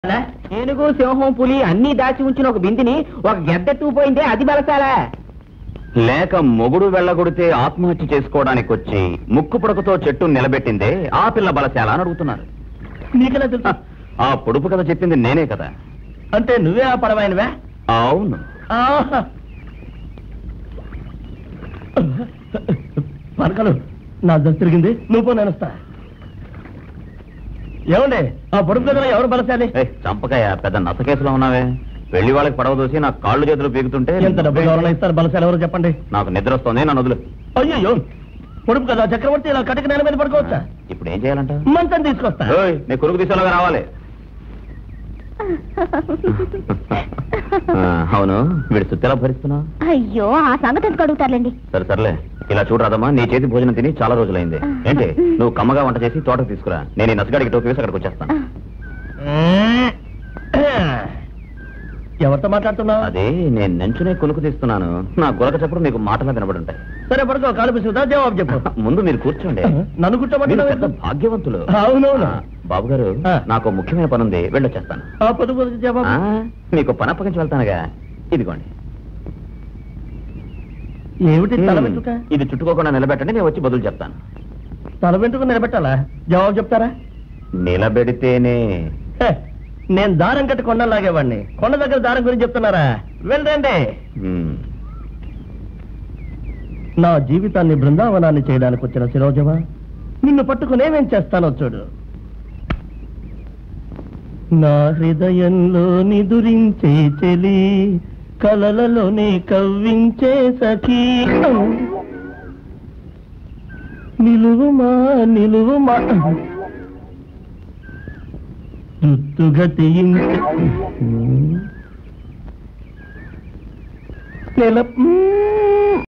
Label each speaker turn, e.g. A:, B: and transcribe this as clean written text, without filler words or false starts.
A: ఏనుగు సింహం పులి అన్ని దాచి ఉంచిన ఒక బిందిని ఒక గెద్దెట్టుకుపోయిందే అది బలసాలా
B: లేక మొగుడు వెళ్ళగొడితే ఆత్మహత్య చేసుకోవడానికి వచ్చి ముక్కు పుడకతో చెట్టు నిలబెట్టిందే ఆ పిల్ల బలశాల అని అడుగుతున్నారు.
A: నీకెలా తెలుసు?
B: ఆ పొడుపు కథ చెప్పింది నేనే కదా.
A: అంటే నువ్వే ఆ పడవైనవే?
B: అవును.
A: పరకలు నా దశ తిరిగింది, నువ్వు పో, నేను వస్తా. ఏమండి ఆ పొడుపు కథలో ఎవరు బలశాలి?
B: చంపకాయ పెద్ద నస కేసులో ఉన్నావే. వెళ్ళి వాళ్ళకి పడవ దోసి నా కాళ్ళు చేతులు పీకుతుంటే
A: ఎంత డబ్బు ఎవరైనా ఇస్తారు? బలశాలి ఎవరు చెప్పండి.
B: నాకు నిద్ర వస్తుంది, నన్ను వదులు.
A: అయ్యో పొడుపు కదా చక్రవర్తి, ఇలా కటిక నేల మీద పడుకోవచ్చా?
B: ఇప్పుడు ఏం చేయాలంట?
A: మంచం తీసుకొస్తా.
B: నీ కొడుకు తీసేలాగా రావాలి. అవును, వీడు సుత్తెలా భరిస్తున్నావు?
C: అయ్యో ఆ సంగతి ఎందుకు అడుగుతారులేండి.
B: సరే సర్లే, ఇలా చూడరాదమ్మా, నీ చేతి భోజనం తిని చాలా రోజులైంది. ఏంటి నువ్వు కమ్మగా వంట చేసి తోటకు తీసుకురా, నేను ఈ నసగాడికి టోపీ వేసి అక్కడికి వచ్చేస్తాను.
A: ఎవరితో మాట్లాడుతున్నావు?
B: అదే నేను నెంచునే కొనుక్కు తీస్తున్నాను. నా గొలక చప్పుడు మీకు మాటలా వినబడుంటాయి.
A: సరే పడుకో, కాలు పిసుకుతా, జవాబు చెప్పు.
B: ముందు మీరు కూర్చోండి.
A: నన్ను కూర్చోబెట్టిన
B: భాగ్యవంతులు.
A: అవునవును.
B: బాబు గారు, నాకు ముఖ్యమైన పని ఉంది, వెళ్ళొచ్చేస్తాను. మీకు పని అప్పగించి వెళ్తానుగా. ఇదిగోండి.
A: ఏమిటి తల వెంట్రుక?
B: ఇది చుట్టుకోకుండా నిలబెట్టండి, నేను వచ్చి బదులు చెప్తాను.
A: తల వెంట్రుక నిలబెట్టాలా? జవాబు చెప్తారా?
B: నిలబెడితేనే.
A: నేను దారం కట్టి కొండలు లాగేవాడిని, కొండ దగ్గర దారం గురించి చెప్తున్నారా? వెళ్ళండి. నా జీవితాన్ని బృందావనాన్ని చేయడానికి వచ్చిన శిరోజమా, నిన్ను పట్టుకునేమేం చేస్తానో చూడు. నా హృదయంలో నిదురించే చెలి, కలలలోనే కవ్వించే సఖీ, నిలువుమా నిలువుమా జుత్తుగతి నెల